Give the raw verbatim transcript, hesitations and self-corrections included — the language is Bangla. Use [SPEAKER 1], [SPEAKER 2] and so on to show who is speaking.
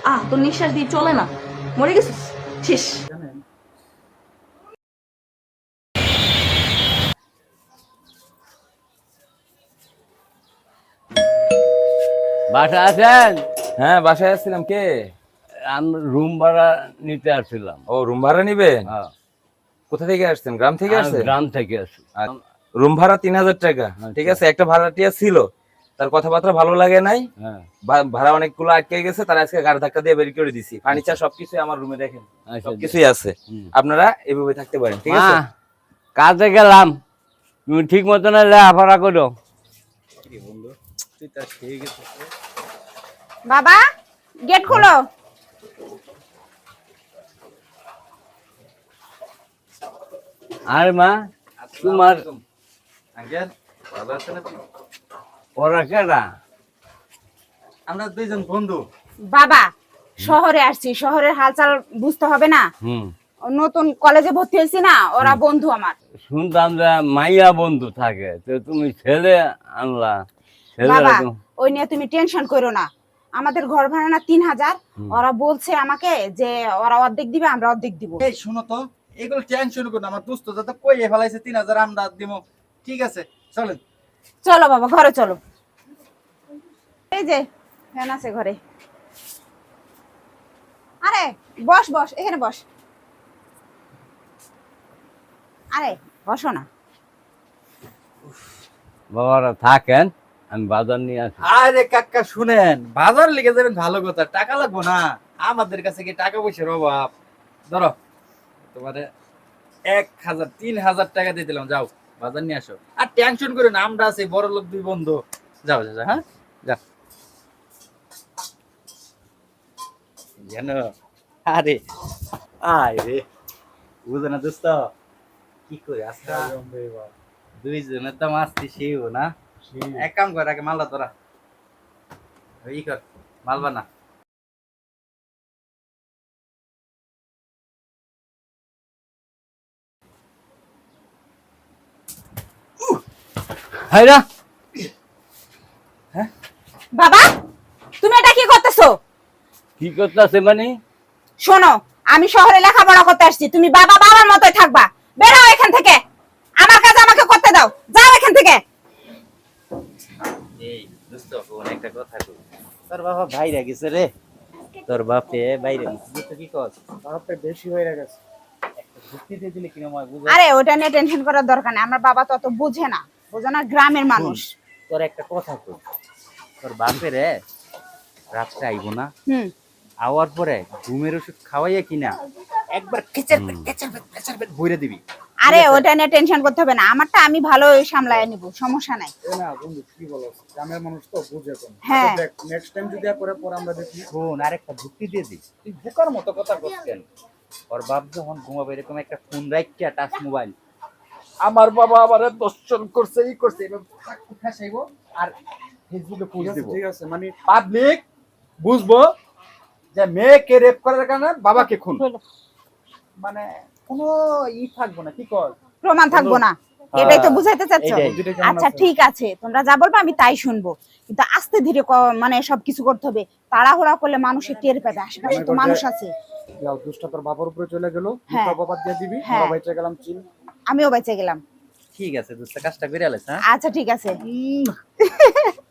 [SPEAKER 1] আহ তোর নিঃশ্বাস দিয়ে চলে না, মরে গেছিস শেষ।
[SPEAKER 2] বাসা আছেন?
[SPEAKER 3] হ্যাঁ বাসায় আসছিলাম। কে?
[SPEAKER 2] আমি রুম ভাড়া নিতে আসছিলাম।
[SPEAKER 3] ও রুম ভাড়া নিবেন?
[SPEAKER 2] হ্যাঁ,
[SPEAKER 3] কোথা থেকে আসছেন? গ্রাম থেকে
[SPEAKER 2] আমি
[SPEAKER 3] আসছেন?
[SPEAKER 2] গ্রাম থেকে আসি।
[SPEAKER 3] রুম ভাড়া তিন হাজার টাকা।
[SPEAKER 2] আচ্ছা।
[SPEAKER 3] ঠিক আছে, একটা ভাড়াটিয়া ছিল, তার কথাবার্তা ভালো লাগে নাই,
[SPEAKER 2] হ্যাঁ,
[SPEAKER 3] ভা- ভাড়া অনেকগুলো আটকে গেছে, তার আজকে গাড়ি ধাক্কা দিয়ে বের করে দিছি। ফার্নিচার সবকিছু আমার রুমে দেখেন,
[SPEAKER 2] আচ্ছা,
[SPEAKER 3] সবকিছুই আছে।
[SPEAKER 2] হুম।
[SPEAKER 3] আপনারা এভাবে থাকতে পারেন, ঠিক
[SPEAKER 2] মা,
[SPEAKER 3] আছে?
[SPEAKER 2] কাজে গেলাম, তুমি ঠিক মতন লেখাপড়া করো।
[SPEAKER 4] বাবা গেট খোলো।
[SPEAKER 2] আর মা, তোমার
[SPEAKER 3] আঙ্কেল ভালো আছেন আপনি?
[SPEAKER 2] ওরা কেডা?
[SPEAKER 3] আমরা দুইজন বন্ধু।
[SPEAKER 4] বাবা শহরে আসছি, শহরের হালচাল বুঝতে হবে না?
[SPEAKER 2] হুম,
[SPEAKER 4] নতুন কলেজে ভর্তি হয়েছি না, ওরা বন্ধু আমার।
[SPEAKER 2] শুনতাম যে মাইয়া বন্ধু থাকে, তো তুমি ছেলে আনলা। ছেলেরা
[SPEAKER 4] বাবা
[SPEAKER 2] তো
[SPEAKER 4] ওই নিয়ে তুমি টেনশন করো না, আমাদের ঘর ভাড়া না তিন হাজার। ওরা বলছে আমাকে যে ওরা অর্ধেক দিবে, আমরা অর্ধেক দিব।
[SPEAKER 5] এই শুনো তো, এগুলো টেনশন করো না, আমার দোস্ত যাতে কই ফেলাইছে তিন হাজার আমরা দিব। ঠিক আছে চলেন।
[SPEAKER 4] চলো বাবা ঘরে চলো। এই যে ফ্যান আছে ঘরে। আরে বস বস, এখানে বস। আরে বসো না।
[SPEAKER 2] বাবারা থাকেন, আমি বাজার নিয়ে আসি।
[SPEAKER 5] আরে কাকা শুনেন, বাজার লেগে যাবেন ভালো কথা, টাকা লাগবো না? আমাদের কাছে কি টাকা পয়সার অভাব? ধরো তোমারে এক হাজার তিন হাজার টাকা দিয়ে দিলাম, যাও বাজার নিয়ে আসো। আর টেনশন করে না, আমরা আছি বড় লোক দুই বন্ধু। যাও যাও যাও, হ্যাঁ যা। জানো আরে আয় রে, বুঝো না দোস্ত কি করে আজকা দুইজনের তো মাস্তি সেও না। এক কাম কর, আগে মালটা তোরা ই কর, মালবা না।
[SPEAKER 2] হাইরা,
[SPEAKER 4] বাবা তুমি এটা কি করতেছো?
[SPEAKER 2] কি করতেছে মানে?
[SPEAKER 4] শোনো, আমি শহরে লেখাপড়া করতে আসছি, তুমি বাবা বাবার মতোই থাকবা। বের হও এখান থেকে, আমার কাজ আমাকে করতে দাও, যাও এখান থেকে।
[SPEAKER 5] এই দোস্ত কোন একটা কথা কই, তোর বাবা বাইরে গেছে রে, তোর বাপে বাইরে গেছে, তুই কি কস? তোর বাপে বেশি হয়ে গেছে, একটা যুক্তি দিয়ে দিলে কিরম হয় বুঝা?
[SPEAKER 4] আরে ওটা নিয়ে টেনশন করার দরকার নেই, আমার বাবা তো অত বুঝে না, বুঝো না, গ্রামের মানুষ।
[SPEAKER 5] তোর একটা কথা কই, তোর বাপে রে রাত্রে আইবো না,
[SPEAKER 4] হুম
[SPEAKER 5] আওয়ার পরে ঘুমের ওষুধ খাওয়াইয়া কিনা একবার কেচার পেট কেচার পেট কেচার পেট ভরে দিবি।
[SPEAKER 4] আরে ওটা নিয়ে টেনশন করতে হবে না, আমারটা আমি ভালো সামলায় নিব, সমস্যা নাই।
[SPEAKER 6] না বন্ধু কি বলো, গ্রামের মানুষ তো বুঝে কম।
[SPEAKER 4] হ্যাঁ।
[SPEAKER 6] দেখ নেক্সট টাইম যদি করে পরে আমরা দেখি।
[SPEAKER 5] শোন, আরেকটা যুক্তি দিয়ে দিস, তুই বোকার মতো কথা বলছেন। ওর বাপ যখন ঘুমাবে এরকম একটা ফোন রাখিয়া টাচ মোবাইল, আমার বাবা আবার দর্শন করছে ই করছে, এবার ঠাসাইব আর ফেসবুকে
[SPEAKER 6] ঠিক
[SPEAKER 5] পোস্ট
[SPEAKER 6] আছে
[SPEAKER 5] দিব,
[SPEAKER 6] ঠিক আছে মানে
[SPEAKER 5] পাবলিক বুঝবো যে মেয়েকে রেপ করার কারণে বাবাকে খুন, মানে কোনো ই থাকবো না। কি কর
[SPEAKER 4] প্রমাণ থাকবো না, এটাই তো বুঝাইতে চাচ্ছ।
[SPEAKER 5] এটাই।
[SPEAKER 6] বুদ্ধিটা কেমন
[SPEAKER 4] আচ্ছা
[SPEAKER 6] আছে?
[SPEAKER 4] ঠিক আছে, তোমরা যা বলবে আমি তাই শুনবো, কিন্তু আস্তে ধীরে ক- মানে সবকিছু করতে হবে। তাড়াহুড়া করলে মানুষের টের পাবে, আশেপাশে তো মানুষ আছে।
[SPEAKER 6] যাও দুষ্টা তোর বাবার উপরে চলে গেল,
[SPEAKER 4] হ্যাঁ।
[SPEAKER 6] মুখটা বাবার দিয়ে দিবি,
[SPEAKER 4] হ্যাঁ।
[SPEAKER 6] আমরা বাইচে গেলাম চিল।
[SPEAKER 4] আমিও বেঁচে গেলাম।
[SPEAKER 5] ঠিক আছে দোস্ত, কাজটা করে আলাইছ, হ্যাঁ?
[SPEAKER 4] আচ্ছা ঠিক আছে।